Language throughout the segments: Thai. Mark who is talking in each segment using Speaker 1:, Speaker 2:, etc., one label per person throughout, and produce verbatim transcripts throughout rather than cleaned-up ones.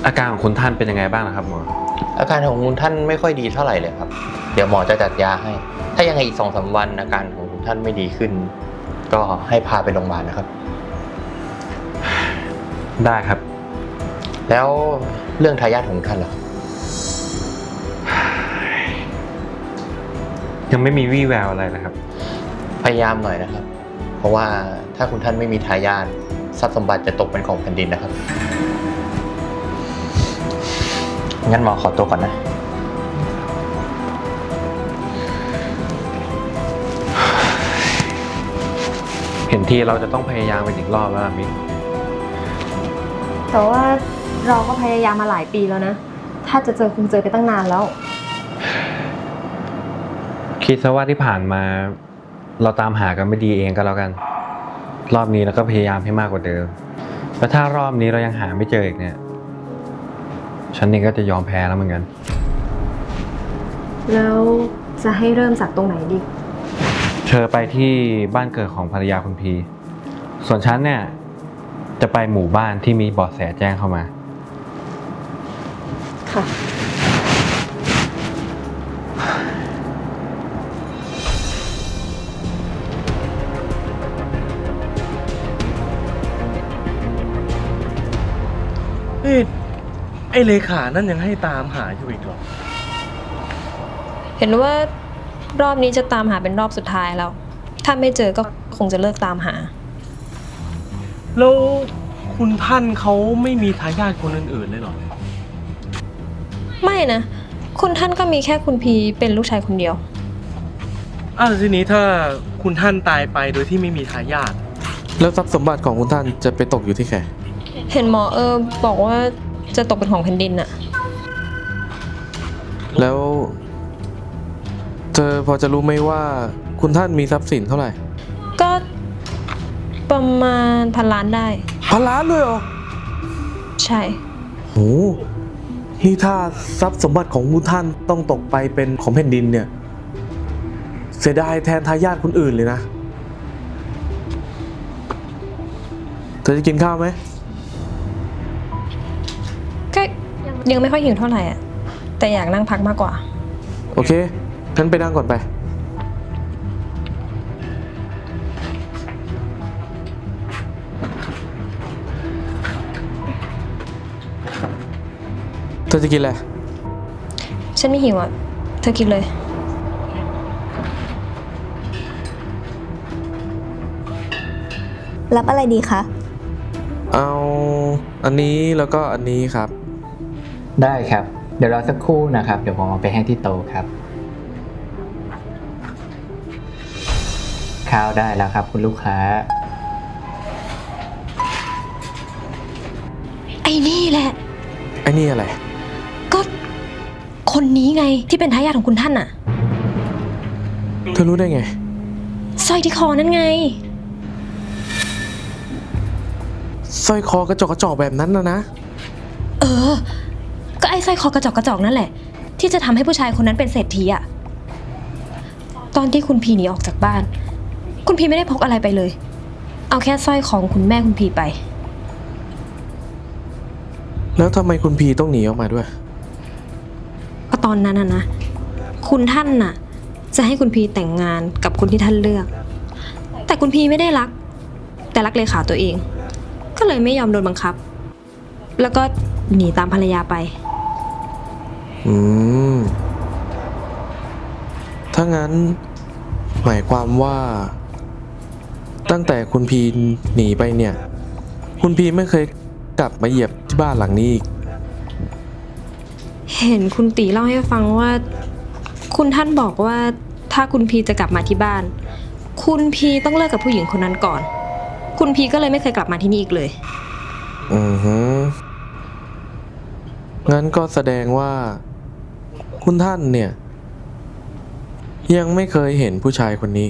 Speaker 1: อาการของคุณท่านเป็นยังไงบ้างนะครับหมอ
Speaker 2: อาการของคุณท่านไม่ค่อยดีเท่าไหร่เลยครับเดี๋ยวหมอจะจัดยาให้ถ้ายังไงอีกสองสามวันอาการของคุณท่านไม่ดีขึ้นก็ให้พาไปโรงพยาบาลนะครับ
Speaker 1: ได้ครับ
Speaker 2: แล้วเรื่องทายาทของท่านล่ะ
Speaker 1: ยังไม่มีวี่แววอะไรนะครับ
Speaker 2: พยายามหน่อยนะครับเพราะว่าถ้าคุณท่านไม่มีทายาททรัพย์สมบัติจะตกเป็นของแผ่นดินนะครับงั้นหมอขอตัวก่อนนะ
Speaker 1: เห็นทีเราจะต้องพยายามไปอีกรอบแล้วมิก
Speaker 3: แต่ว่าเราก็พยายามมาหลายปีแล้วนะถ้าจะเจอคงเจอไปตั้งนานแล้ว
Speaker 1: คิดซะว่าที่ผ่านมาเราตามหากันไม่ดีเองก็แล้วกันรอบนี้เราก็พยายามให้มากกว่าเดิมแล้วถ้ารอบนี้เรายังหาไม่เจออีกเนี่ยฉันเองก็จะยอมแพ้แล้วเหมือนกัน
Speaker 3: แล้วจะให้เริ่มจากตรงไหนดี
Speaker 1: เธอไปที่บ้านเกิดของภรรยาคุณพีส่วนฉันเนี่ยจะไปหมู่บ้านที่มีเบาะแสแจ้งเข้ามา
Speaker 3: ค่ะ
Speaker 4: เอ้ไอ้เลขานั่นยังให้ตามหาอยู่อีกเหรอ
Speaker 5: เห็นว่ารอบนี้จะตามหาเป็นรอบสุดท้ายแล้วถ้าไม่เจอก็คงจะเลิกตามหา
Speaker 4: แล้วคุณท่านเขาไม่มีทายาทคนอื่นๆเลยเหรอ
Speaker 5: ไม่นะคุณท่านก็มีแค่คุณพีเป็นลูกชายคนเดียว
Speaker 4: อ้าวทีนี้ถ้าคุณท่านตายไปโดยที่ไม่มีทายาท
Speaker 6: แล้วทรัพย์สมบัติของคุณท่านจะไปตกอยู่ที่ใคร
Speaker 5: เห็นหมอเออบอกว่าจะตกเป็นของแผ่นดินอะ
Speaker 6: แล้วเธอพอจะรู้ไหมว่าคุณท่านมีทรัพย์สินเท่าไหร่
Speaker 5: ก็ประมาณพันล้านได้
Speaker 6: พันล้านเลยเหรอ
Speaker 5: ใช่
Speaker 6: โหนี่ถ้าทรัพย์สมบัติของคุณท่านต้องตกไปเป็นของแผ่นดินเนี่ยเสียดายแทนทายาทคนอื่นเลยนะเธอจะกินข้าวไหม
Speaker 5: ก็ยังไม่ค่อยหิวเท่าไหร่อ่ะแต่อยากนั่งพักมากกว่า
Speaker 6: โอเคงั้นไปนั่งก่อนไปเธอจะกินอะไร
Speaker 5: ฉันไม่หิวอ่ะเธอกินเลย
Speaker 7: รับอะไรดีคะ
Speaker 6: เอาอันนี้แล้วก็อันนี้ครับ
Speaker 2: ได้ครับเดี๋ยวรอสักครู่นะครับเดี๋ยวผมเอาไปให้ที่โต๊ะครับข้าวได้แล้วครับคุณลูกค้า
Speaker 5: ไอ้นี่แหละ
Speaker 6: ไอ้นี่อะไร
Speaker 5: ก็คนนี้ไงที่เป็นทายาทของคุณท่านน่ะ
Speaker 6: เธอรู้ได้ไง
Speaker 5: สร้อยที่คอนั่นไง
Speaker 6: สร้อยคอกระจอกกระจอกแบบนั้นนะนะ
Speaker 5: เออก็ไอ้สร้อยคอกระจอกกระจอกนั่นแหละที่จะทำให้ผู้ชายคนนั้นเป็นเศรษฐีอะตอนที่คุณพีหนีออกจากบ้านคุณพีไม่ได้พกอะไรไปเลยเอาแค่สร้อยของคุณแม่คุณพีไป
Speaker 6: แล้วทำไมคุณพีต้องหนีออกมาด้วย
Speaker 5: ก็ตอนนั้นน่ะนะคุณท่านน่ะจะให้คุณพีแต่งงานกับคนที่ท่านเลือกแต่คุณพีไม่ได้รักแต่รักเลขาตัวเองก็เลยไม่ยอมโดนบังคับแล้วก็หนีตามภรรยาไป
Speaker 6: อืมถ้างั้นหมายความว่าตั้งแต่คุณพีหนีไปเนี่ยคุณพีไม่เคยกลับมาเหยียบที่บ้านหลังนี้อีก
Speaker 5: เห็นคุณตีเล่าให้ฟังว่าคุณท่านบอกว่าถ้าคุณพีจะกลับมาที่บ้านคุณพีต้องเลิกกับผู้หญิงคนนั้นก่อนคุณพีก็เลยไม่เคยกลับมาที่นี่อีกเลย
Speaker 6: อือฮึงั้นก็แสดงว่าคุณท่านเนี่ยยังไม่เคยเห็นผู้ชายคนนี้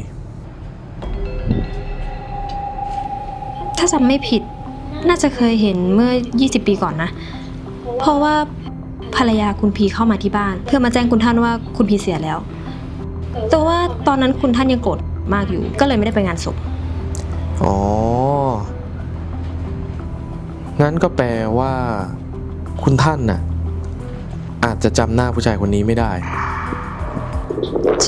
Speaker 5: ถ้าจำไม่ผิดน่าจะเคยเห็นเมื่อยี่สิบปีก่อนนะเพราะว่าภรรยาคุณพีเข้ามาที่บ้านเพื่อมาแจ้งคุณท่านว่าคุณพีเสียแล้วแต่ว่าตอนนั้นคุณท่านยังโกรธมากอยู่ก็เลยไม่ได้ไปงานศพ
Speaker 6: อ๋องั้นก็แปลว่าคุณท่านน่ะอาจจะจำหน้าผู้ชายคนนี้ไม่ได้
Speaker 5: ใช่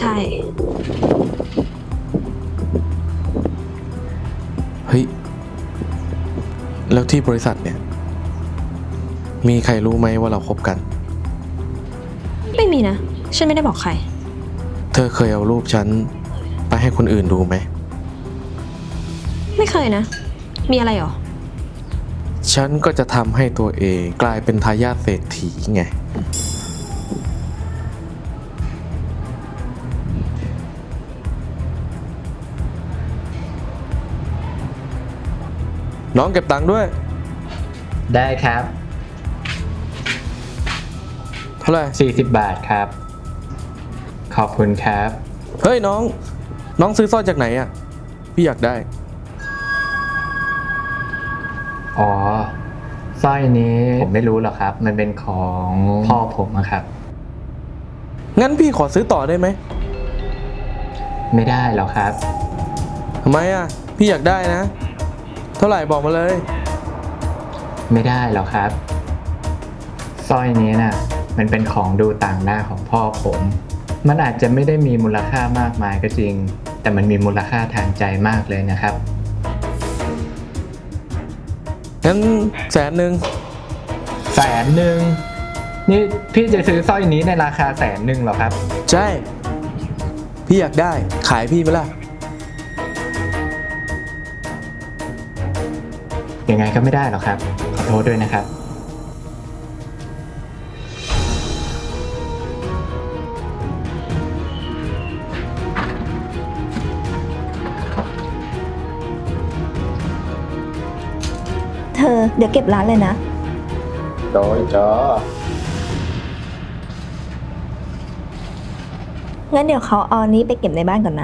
Speaker 6: เฮ้ย แล้วที่บริษัทเนี่ย มีใครรู้ไหมว่าเราคบกัน
Speaker 5: ไม่มีนะ ฉันไม่ได้บอกใคร
Speaker 6: เธอเคยเอารูปฉันไปให้คนอื่นดูไหม
Speaker 5: ไม่เคยนะ มีอะไรหรอ
Speaker 6: ฉันก็จะทำให้ตัวเองกลายเป็นทายาทเศรษฐีไง น้องเก็บตังค์ด้วย
Speaker 7: ได้ครับ
Speaker 6: เท่าไหร่
Speaker 7: สี่สิบบาทครับ ขอบคุณครับ
Speaker 6: เฮ้ยน้อง น้องซื้อสร้อยจากไหนอ่ะ พี่อยากได้
Speaker 7: อ๋อสร้อยนี้ผมไม่รู้หรอกครับ มันเป็นของพ่อผมอะครับ
Speaker 6: งั้นพี่ขอซื้อต่อได้ไหม
Speaker 7: ไม่ได้หรอกครับ
Speaker 6: ทำไมอ่ะ พี่อยากได้นะ เท่าไหร่บอกมาเลย
Speaker 7: ไม่ได้หรอกครับสร้อยนี้น่ะ มันเป็นของดูต่างหน้าของพ่อผม มันอาจจะไม่ได้มีมูลค่ามากมายก็จริง แต่มันมีมูลค่าทางใจมากเลยนะครับ
Speaker 6: งั้นแสนหนึ่ง
Speaker 7: แสนหนึ่งนี่พี่จะซื้อสร้อยนี้ในราคาแสนหนึ่งเหรอครับ
Speaker 6: ใช่ พี่อยากได้ ขายพี่ไหมล่ะ
Speaker 7: ยังไงก็ไม่ได้หรอกครับ ขอโทษด้วยนะครับ
Speaker 3: เธอเดี๋ยวเก็บร้านเลยนะ
Speaker 7: โดยจ้อ
Speaker 3: งั้นเดี๋ยวเขาเอาอันนี้ไปเก็บในบ้านก่อนนะ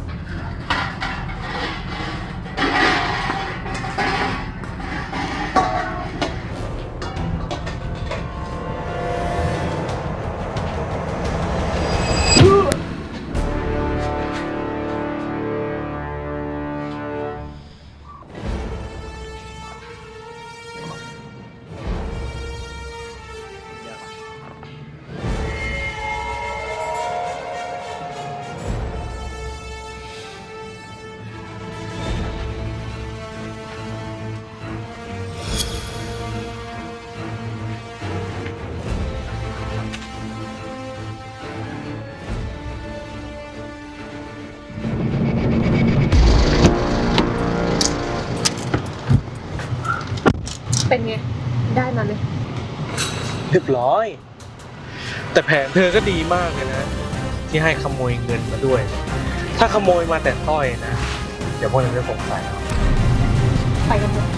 Speaker 8: เป็นไง ได้มาไหม
Speaker 4: เรียบร้อย แต่แผนเธอก็ดีมากเลยนะ ที่ให้ขโมยเงินมาด้วย ถ้าขโมยมาแต่สร้อยนะ เดี๋ยวพวกนั้นจะสงสัยเอา
Speaker 8: ไปกันเถอะ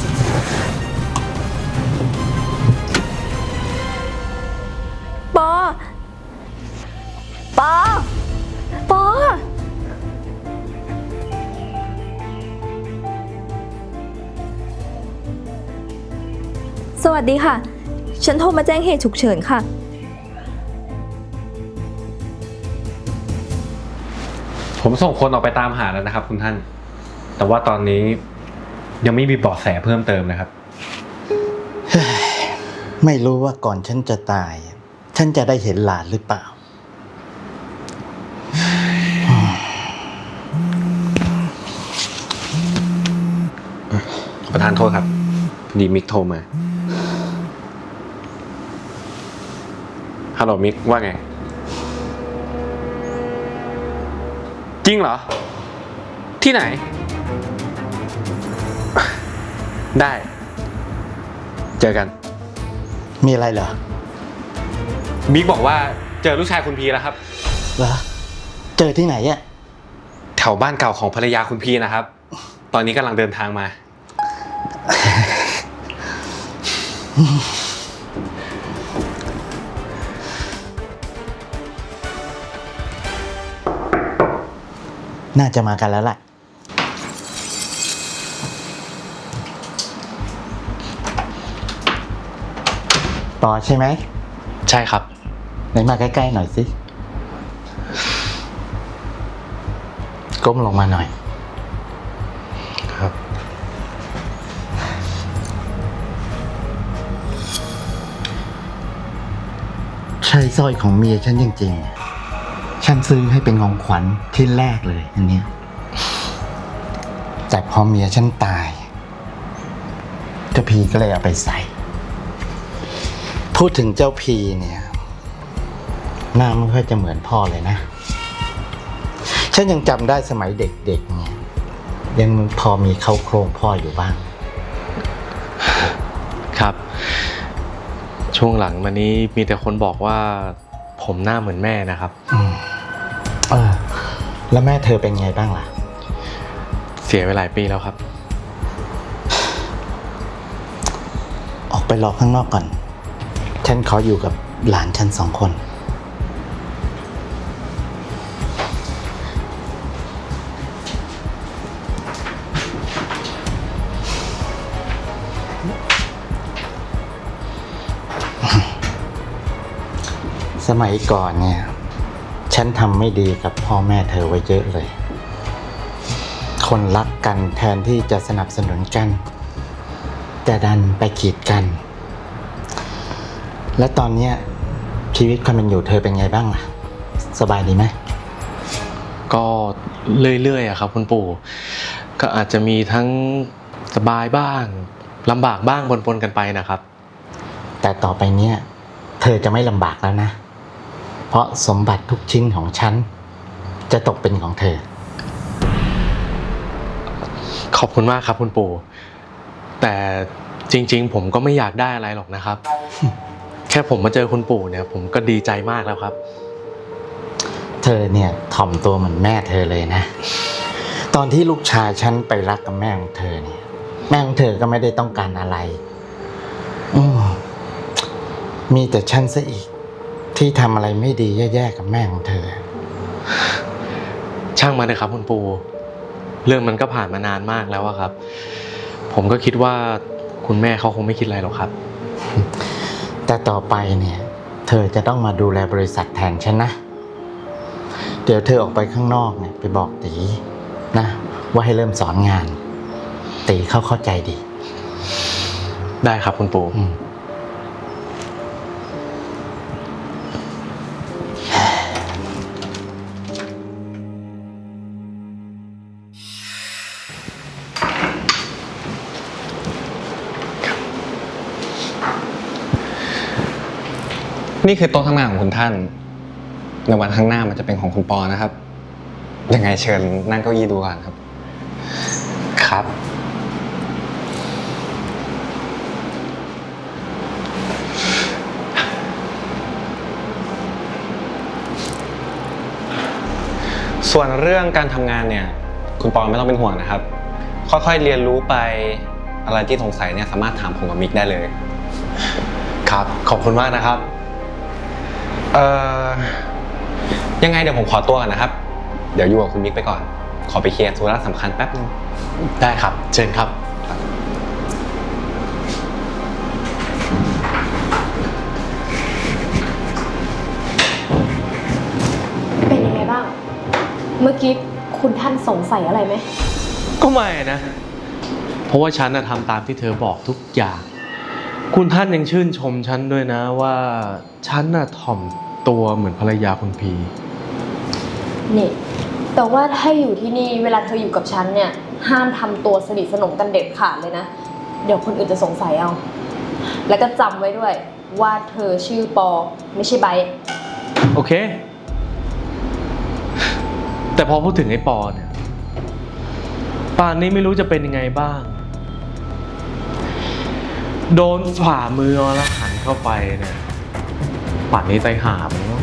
Speaker 3: ปอ ปอ ปอ สวัสดีค่ะ ฉันโทรมาแจ้งเหตุฉุกเฉินค่ะ
Speaker 1: ผมส่งคนออกไปตามหาแล้วนะครับ คุณท่าน แต่ว่าตอนนี้ยังไม่มีเบาะแสเพิ่มเติมนะครับ
Speaker 9: ไม่รู้ว่าก่อนฉันจะตาย ฉันจะได้เห็นหลานหรือเปล่า
Speaker 1: ประธานโทษครับพอดีมิกโทรมา ฮัลโหลมิกว่าไง จริงเหรอ ที่ไหน ได้ เจอกัน
Speaker 9: มีอะไรเหรอ
Speaker 1: มิกบอกว่าเจอลูกชายคุณพีแล้วครับ
Speaker 9: เหรอ เจอที่ไหนอ่ะ
Speaker 1: แถวบ้านเก่าของภรรยาคุณพีนะครับ ตอนนี้กำลังเดินทางมา
Speaker 9: น่าจะมากันแล้วแหละต่อใช่ไหม
Speaker 2: ใช่ครับ
Speaker 9: ไหนมาใกล้ๆหน่อยสิ ก้มลงมาหน่อย
Speaker 2: ครับ
Speaker 9: ช่สร้อยของเมียฉันจริงๆ ฉันซื้อให้เป็นของขวัญชิ้นแรกเลยอันเนี้ยแต่พอเมียฉันตายเจ้าพีก็เลยเอาไปใส่ พูดถึงเจ้าพีเนี่ยหน้าไม่ค่อยจะเหมือนพ่อเลยนะ ฉันยังจำได้สมัยเด็กๆเนี่ยยังพอมีเข้าโครงพ่ออยู่บ้าง
Speaker 4: ครับ ช่วงหลังมานี้มีแต่คนบอกว่าผมหน้าเหมือนแม่นะครับ
Speaker 9: อืมเออแล้วแม่เธอเป็นไงบ้างล่ะ
Speaker 4: เสียไปหลายปีแล้วครับ
Speaker 9: ออกไปรอข้างนอกก่อน ฉันขออยู่กับหลานฉันสองคน สมัยก่อนเนี่ย ฉันทำไม่ดีกับพ่อแม่เธอไว้เยอะเลย คนรักกันแทนที่จะสนับสนุนกันแต่ดันไปขีดกัน และตอนเนี้ยชีวิตความเป็นอยู่เธอเป็นไงบ้างล่ะ สบายดีไหม
Speaker 4: ก็เรื่อยๆอะครับคุณปู่ก็อาจจะมีทั้งสบายบ้างลำบากบ้างปนๆกันไปนะครับ
Speaker 9: แต่ต่อไปเนี้ยเธอจะไม่ลำบากแล้วนะ เพราะสมบัติทุกชิ้นของฉันจะตกเป็นของเธอ
Speaker 4: ขอบคุณมากครับคุณปู่แต่จริงๆผมก็ไม่อยากได้อะไรหรอกนะครับ แค่ผมมาเจอคุณปู่เนี่ยผมก็ดีใจมากแล้วครับ
Speaker 9: เธอเนี่ยถ่อมตัวเหมือนแม่เธอเลยนะ ตอนที่ลูกชายฉันไปรักกับแม่ของเธอเนี่ยแม่ของเธอก็ไม่ได้ต้องการอะไรอืมมีแต่ฉันซะอีกที่ทำอะไรไม่ดีแย่ๆกับแม่ของเธอ
Speaker 4: ช่างมาเลยครับคุณปู่เรื่องมันก็ผ่านมานานมากแล้วอะครับ ผมก็คิดว่าคุณแม่เขาคงไม่คิดอะไรหรอกครับ
Speaker 9: แต่ต่อไปเนี่ยเธอจะต้องมาดูแลบริษัทแทนฉันนะ เดี๋ยวเธอออกไปข้างนอกเนี่ยไปบอกตีนะว่าให้เริ่มสอนงานตีเขาเข้าใจดี
Speaker 4: ได้ครับคุณปู่
Speaker 9: อืม
Speaker 1: นี่คือโต๊ะทำงานของคุณท่านในวันข้างหน้ามันจะเป็นของคุณปอนะครับยังไงเชิญนั่งเก้าอี้ดูก่อนครับครับ ส่วนเรื่องการทำงานเนี่ยคุณปอไม่ต้องเป็นห่วงนะครับค่อยๆเรียนรู้ไปอะไรที่สงสัยเนี่ยสามารถถามผมกับมิกได้เลยครับขอบคุณมากนะครับเอ่อยังไงเดี๋ยวผมขอตัวก่อนนะครับเดี๋ยวอยู่กับคุณมิกไปก่อนขอไปเคลียร์ธุระสำคัญแป๊บนึง
Speaker 4: ได้ครับเชิญครับ
Speaker 8: เป็นยังไงบ้าง เมื่อกี้คุณท่านสงสัยอะไรไหม
Speaker 4: ก็ไม่นะเพราะว่าฉันน่ะทำตามที่เธอบอกทุกอย่างคุณท่านยังชื่นชมฉันด้วยนะว่าฉันน่ะถ่อมตัวเหมือนภรรยาคุณพี
Speaker 8: นี่ แต่ว่าถ้าอยู่ที่นี่เวลาเธออยู่กับฉันเนี่ยห้ามทำตัวสนิทสนมกันเด็ดขาดเลยนะ เดี๋ยวคนอื่นจะสงสัยเอา แล้วก็จำไว้ด้วยว่าเธอชื่อปอไม่ใช่ไบร์ท
Speaker 4: โอเค แต่พอพูดถึงไอ้ปอเนี่ยป่านนี้ไม่รู้จะเป็นยังไงบ้าง โดนฝ่ามืออรหันต์เข้าไปเนี่ยป่านนี้ใจหามแล้ว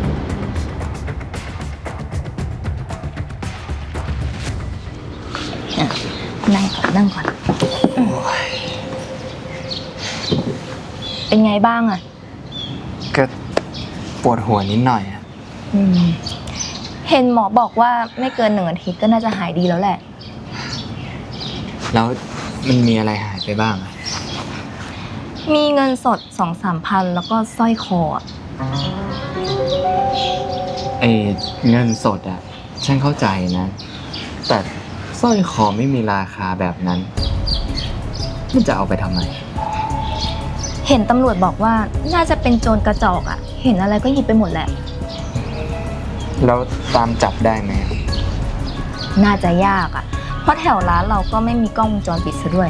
Speaker 3: นั่งก่อนนั่งก่อนเป็นไงบ้างอะ
Speaker 7: ก็ปวดหัวนิดหน่อยอะ
Speaker 3: อืมเห็นหมอบอกว่าไม่เกินหนึ่งอาทิตย์ก็น่าจะหายดีแล้วแหละ
Speaker 7: แล้วมันมีอะไรหายไปบ้างอะ
Speaker 3: มีเงินสดสองสามพันแล้วก็สร้อยคออะ
Speaker 7: ไอ้เงินสดอะฉันเข้าใจนะ แต่สร้อยคอไม่มีราคาแบบนั้นมันจะเอาไปทำไม
Speaker 3: โเห็นตำรวจบอกว่าน่าจะเป็นโจรกระจอกอะเห็นอะไรก็หยิบไปหมดแหละ
Speaker 7: แล้วตามจับได้ไหม
Speaker 3: น่าจะยากอะเพราะแถวร้านเราก็ไม่มีกล้องวงจรปิดซะด้วย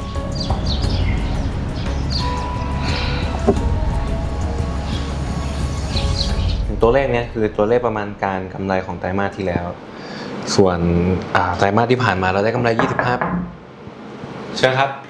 Speaker 1: ตัวเลขเนี้ยคือตัวเลขประมาณการกำไรของไตรมาสที่แล้ว ส่วนอ่าไตรมาสที่ผ่านมาเราได้กำไรยี่สิบห้าเชิญครับ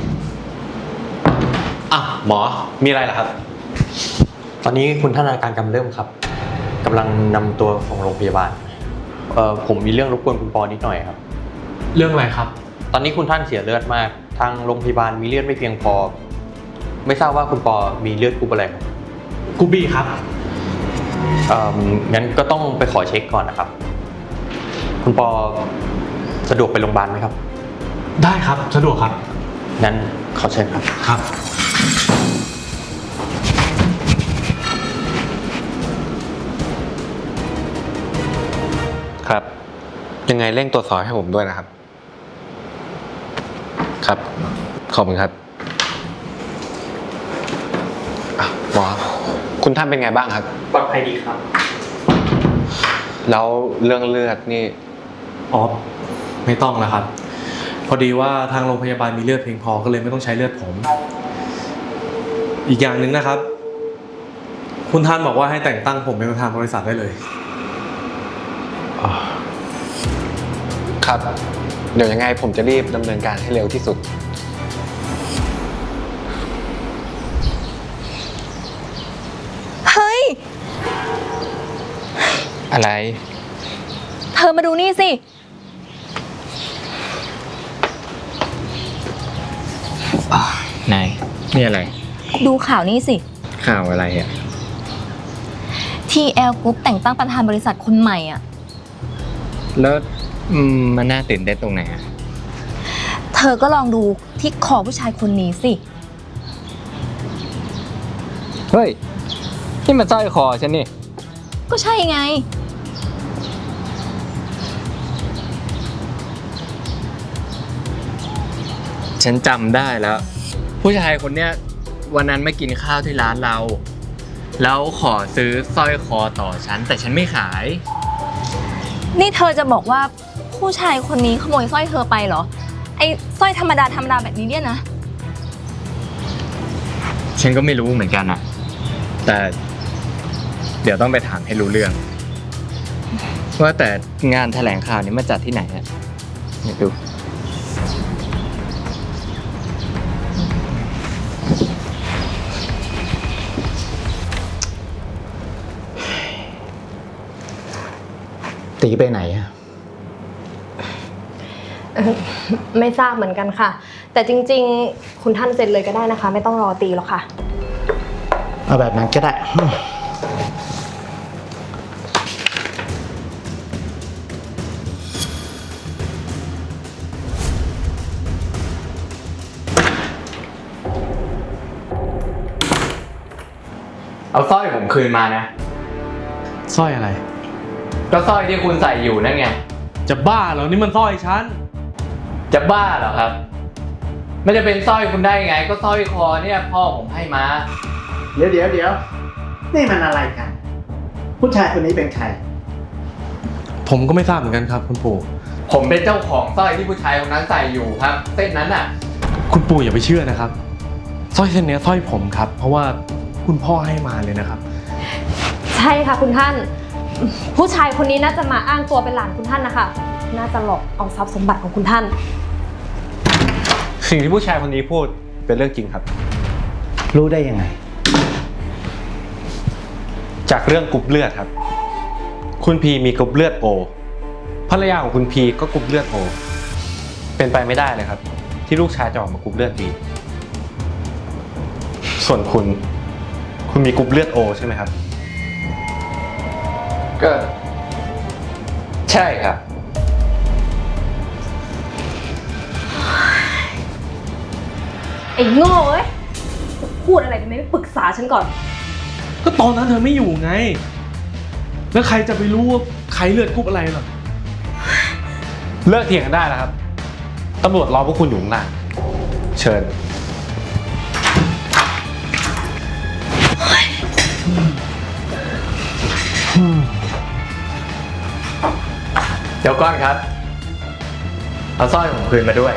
Speaker 1: อ่ะหมอมีอะไรเหรอครับ
Speaker 2: ตอนนี้คุณท่านอาการกำเริบครับกำลังนำตัวส่งโรงพยาบาลเอ่อผมมีเรื่องรบกวนคุณปอนิดหน่อยครับ
Speaker 4: เรื่องอะไรครับ
Speaker 2: ตอนนี้คุณท่านเสียเลือดมาก ทางโรงพยาบาลมีเลือดไม่เพียงพอ ไม่ทราบว่าคุณปอมีเลือดกรุ๊ปอะไรครับ
Speaker 4: กูบี้ครับ
Speaker 2: เอ่องั้นก็ต้องไปขอเช็คก่อนนะครับ คุณปอสะดวกไปโรงพยาบาลไหมครับ
Speaker 4: ได้ครับสะดวกครับ
Speaker 2: งั้นขอเชิญครับ
Speaker 4: ครับ
Speaker 1: ครับ ยังไงเร่งตรวจสอบให้ผมด้วยนะครับ ครับขอบคุณครับอ่ะหมอคุณท่านเป็นไงบ้างครับ
Speaker 4: ปลอดภัยดีครับ
Speaker 1: แล้วเรื่องเลือดนี่
Speaker 6: อ๋อไม่ต้องแล้วครับ พอดีว่าทางโรงพยาบาลมีเลือดเพียงพอก็เลยไม่ต้องใช้เลือดผม อีกอย่างหนึ่งนะครับ คุณท่านบอกว่าให้แต่งตั้งผมเป็นประธานบริษัทได้เลย
Speaker 1: ครับ เดี๋ยวยังไงผมจะรีบดำเนินการให้เร็วที่สุด
Speaker 3: เฮ้ย
Speaker 7: อะไร
Speaker 3: เธอมาดูนี่สิ
Speaker 7: ไหนนี่อะไร
Speaker 3: ดูข่าวนี้สิ
Speaker 7: ข่าวอะไรอ่ะ
Speaker 3: ที แอล Group แต่งตั้งประธานบริษัทคนใหม่อ่ะ
Speaker 7: แล้วอืมมันน่าตื่นเต้นตรงไหนอ่ะ
Speaker 3: เธอก็ลองดูที่คอผู้ชายคนนี้สิ
Speaker 7: เฮ้ย นี่มันสร้อยคอฉันนี่
Speaker 3: ก็ใช่ไง
Speaker 7: ฉันจำได้แล้ว ผู้ชายคนเนี้ยวันนั้นมากินข้าวที่ร้านเรา แล้วขอซื้อสร้อยคอต่อฉันแต่ฉันไม่ขาย
Speaker 3: นี่เธอจะบอกว่าผู้ชายคนนี้ขโมยสร้อยเธอไปเหรอ ไอ้สร้อยธรรมดาธรรมดาแบบนี้เนี่ยนะ
Speaker 7: ฉันก็ไม่รู้เหมือนกันอ่ะ แต่เดี๋ยวต้องไปถามให้รู้เรื่อง ว่าแต่งานแถลงข่าวนี้มาจัดที่ไหนอ่ะอยากดู
Speaker 9: ตีไปไหนอะ
Speaker 3: เออไม่ทราบเหมือนกันค่ะ แต่จริงๆ คุณท่านเซ็นเลยก็ได้นะคะ ไม่ต้องรอตีหรอกค่ะ
Speaker 9: เอาแบบนั้นก็ได้
Speaker 7: เอาสร้อยผมคืนมานะ
Speaker 6: สร้อยอะไร
Speaker 7: ก็สร้อยที่คุณใส่อยู่นั่นไง
Speaker 6: จะบ้าเหรอนี่มันสร้อยฉัน
Speaker 7: จะบ้าเหรอครับ ไม่จะเป็นสร้อยคุณได้ไง ก็สร้อยคอเนี่ยพ่อผมให้มา
Speaker 9: เดี๋ยวเดี๋ยวเดี๋ยวนี่มันอะไรกัน ผู้ชายคนนี้เป็นใคร
Speaker 6: ผมก็ไม่ทราบเหมือนกันครับคุณปู่
Speaker 7: ผมเป็นเจ้าของสร้อยที่ผู้ชายคนนั้นใส่อยู่ครับ เส้นนั้นอ่ะ
Speaker 6: คุณปู่อย่าไปเชื่อนะครับสร้อยเส้นเนี้ยสร้อยผมครับ เพราะว่าคุณพ่อให้มาเลยนะครับ
Speaker 3: ใช่ค่ะคุณท่าน ผู้ชายคนนี้น่าจะมาอ้างตัวเป็นหลานคุณท่านนะคะ น่าจะหลอกเอาทรัพย์สมบัติของคุณท่าน
Speaker 1: สิ่งที่ผู้ชายคนนี้พูดเป็นเรื่องจริงครับ
Speaker 9: รู้ได้ยังไง
Speaker 1: จากเรื่องกรุ๊ปเลือดครับ คุณพีมีกรุ๊ปเลือดโอภรรยาของคุณพีก็กรุ๊ปเลือดโอเป็นไปไม่ได้เลยครับ ที่ลูกชายจะออกมากรุ๊ปเลือดบีส่วนคุณ คุณมีกรุ๊ปเลือดโอใช่ไหมครับ
Speaker 2: ก็ใช่ครับ
Speaker 3: ไอ้โง่เอ้ยพูดอะไรทำไมไม่ปรึกษาฉันก่อน
Speaker 6: ก็ตอนนั้นเธอไม่อยู่ไง แล้วใครจะไปรู้ว่าใครเลือดกรุ๊ปอะไรหรอ
Speaker 1: เลิกเถียงกันได้แล้วครับตำรวจรอพวกคุณอยู่ข้างล่างเชิญ
Speaker 2: เดี๋ยวก่อนครับ เอาสร้อยผมคืนมาด้วย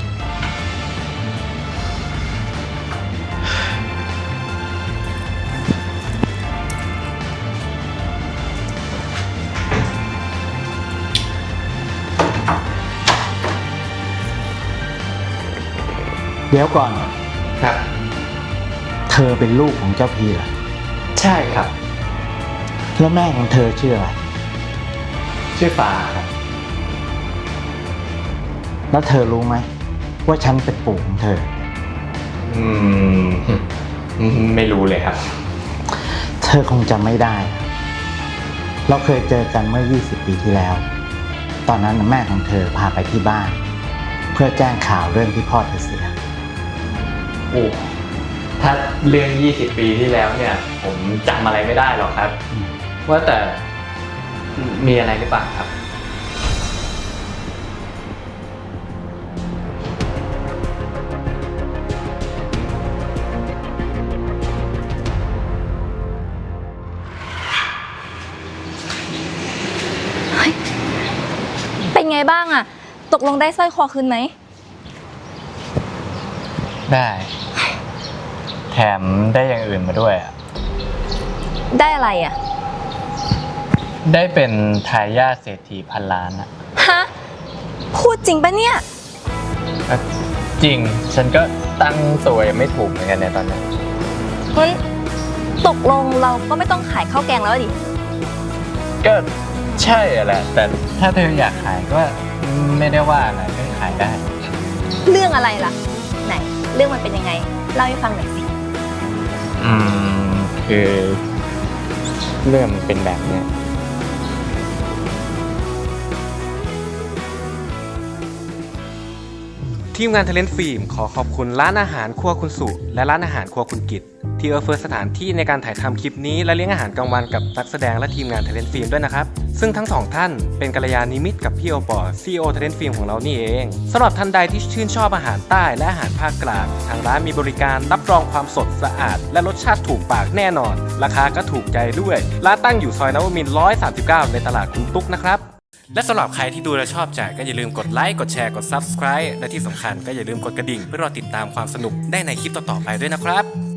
Speaker 9: เดี๋ยวก่อน
Speaker 2: ครับ
Speaker 9: เธอเป็นลูกของเจ้าพีเหรอ
Speaker 2: ใช่ครับ
Speaker 9: แล้วแม่ของเธอชื่ออะไร
Speaker 2: ชื่อฟ้าครับ
Speaker 9: แล้วเธอรู้ไหมว่าฉันเป็นปู่ของเธอ
Speaker 2: อืม ไม่รู้เลยครับ
Speaker 9: เธอคงจำไม่ได้ เราเคยเจอกันเมื่อ ยี่สิบ ปีที่แล้ว ตอนนั้นแม่ของเธอพาไปที่บ้าน เพื่อแจ้งข่าวเรื่องที่พ่อเธอเสีย
Speaker 2: โอ้ถ้าเรื่อง ยี่สิบ ปีที่แล้วเนี่ย ผมจำอะไรไม่ได้หรอกครับ ว่าแต่มีอะไรหรือเปล่าครับ
Speaker 10: เป็นไงบ้างอะตกลงได้สร้อยคอคืนไหม
Speaker 2: ได้ แถมได้อย่างอื่นมาด้วยอ่ะ
Speaker 10: ได้อะไรอะ
Speaker 2: ได้เป็นทายาทเศรษฐีพันล้านอ่ะ
Speaker 10: ฮะ พูดจริงปะเนี่ย
Speaker 2: จริง ฉันก็ตั้งตัวยังไม่ถูกเหมือนกันเนี่ยตอนนี้
Speaker 10: งั้นตกลงเราก็ไม่ต้องขายข้าวแกงแล้วดิ
Speaker 2: ก็ใช่แหละ แต่ถ้าเธออยากขายก็ไม่ได้ว่าอะไรก็ขายได้
Speaker 10: เรื่องอะไรล่ะ ไหน เรื่องมันเป็นยังไง เล่าให้ฟังหน่อยสิ
Speaker 2: อืม คือเรื่องมันเป็นแบบเนี้ย
Speaker 11: ทีมงาน Talent Film ขอขอบคุณร้านอาหารครัวคุณสุและร้านอาหารครัวคุณกิตที่เอื้อเฟื้อสถานที่ในการถ่ายทำคลิปนี้และเลี้ยงอาหารกลางวันกับนักแสดงและทีมงาน Talent Film ด้วยนะครับซึ่งทั้งสองท่านเป็นกัลยาณมิตรกับพี่โอปอ ซี อี โอ Talent Film ของเรานี่เองสำหรับท่านใดที่ชื่นชอบอาหารใต้และอาหารภาคกลางทางร้านมีบริการรับรองความสดสะอาดและรสชาติถูกปากแน่นอนราคาก็ถูกใจด้วยร้านตั้งอยู่ซอยนวมินทร์หนึ่งร้อยสามสิบเก้าในตลาดคุณตุ๊กนะครับและสำหรับใครที่ดูและชอบใจก็อย่าลืมกดไลค์กดแชร์กด Subscribe และที่สำคัญก็อย่าลืมกดกระดิ่งเพื่อรอติดตามความสนุกได้ในคลิปต่อๆไปด้วยนะครับ